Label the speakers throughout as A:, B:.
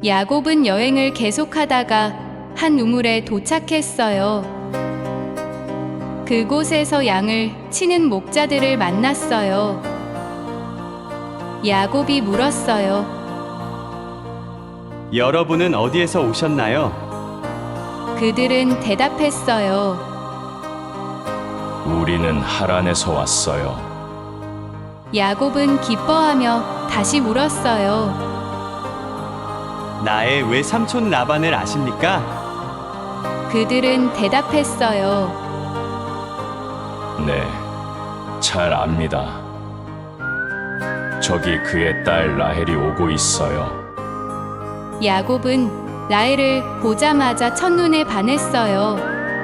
A: 야곱은 여행을 계속하다가 한 우물에 도착했어요. 그곳에서 양을 치는 목자들을 만났어요. 야곱이 물었어요.
B: 여러분은 어디에서 오셨나요?
A: 그들은 대답했어요.
C: 우리는 하란에서 왔어요.
A: 야곱은 기뻐하며 다시 물었어요.
B: 나의 외삼촌 라반을 아십니까?
A: 그들은 대답했어요.
C: 네, 잘 압니다. 저기 그의 딸 라헬이 오고 있어요.
A: 야곱은 라헬을 보자마자 첫눈에 반했어요.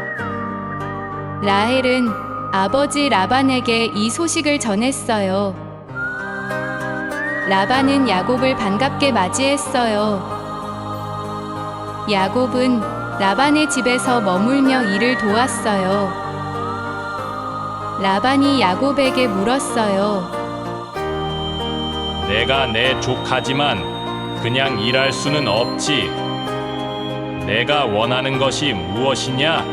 A: 라헬은 아버지 라반에게 이 소식을 전했어요. 라반은 야곱을 반갑게 맞이했어요. 야곱은 라반의 집에서 머물며 일을 도왔어요. 라반이 야곱에게 물었어요.
C: 내가 내 조카지만 그냥 일할 수는 없지. 내가 원하는 것이 무엇이냐?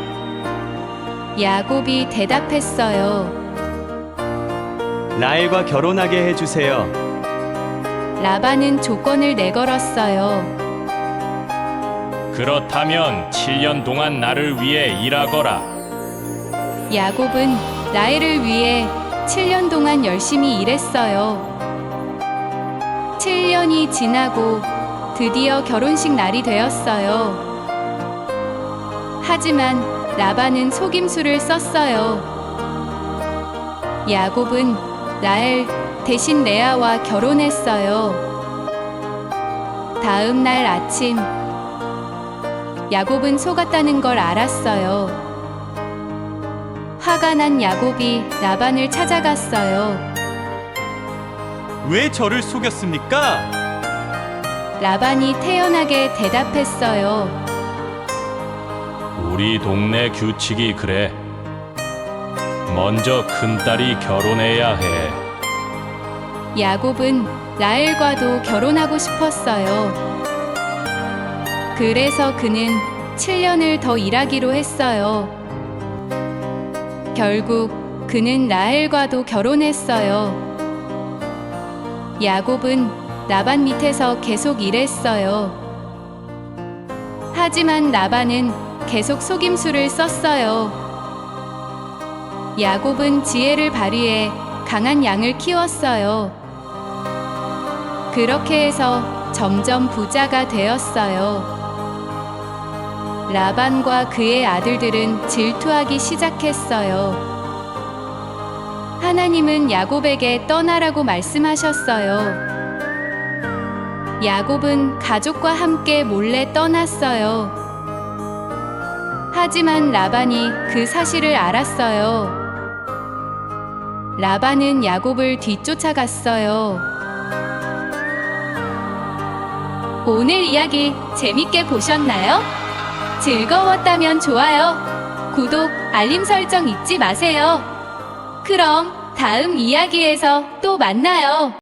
A: 야곱이 대답했어요.
B: 라헬과 결혼하게 해주세요.
A: 라반은 조건을 내걸었어요.
C: 그렇다면 7년 동안 나를 위해 일하거라.
A: 야곱은 라헬을 위해 7년 동안 열심히 일했어요. 7년이 지나고 드디어 결혼식 날이 되었어요. 하지만 라반은 속임수를 썼어요. 야곱은 라헬 대신 레아와 결혼했어요. 다음 날 아침, 야곱은 속았다는 걸 알았어요. 화가 난 야곱이 라반을 찾아갔어요.
B: 왜 저를 속였습니까?
A: 라반이 태연하게 대답했어요.
C: 우리 동네 규칙이 그래. 먼저 큰딸이 결혼해야 해.
A: 야곱은 라헬과도 결혼하고 싶었어요. 그래서 그는 7년을 더 일하기로 했어요. 결국 그는 라헬과도 결혼했어요. 야곱은 라반 밑에서 계속 일했어요. 하지만 라반은 계속 속임수를 썼어요. 야곱은 지혜를 발휘해 강한 양을 키웠어요. 그렇게 해서 점점 부자가 되었어요. 라반과 그의 아들들은 질투하기 시작했어요. 하나님은 야곱에게 떠나라고 말씀하셨어요. 야곱은 가족과 함께 몰래 떠났어요. 하지만 라반이 그 사실을 알았어요. 라반은 야곱을 뒤쫓아갔어요. 오늘 이야기 재밌게 보셨나요? 즐거웠다면 좋아요, 구독, 알림 설정 잊지 마세요. 그럼 다음 이야기에서 또 만나요.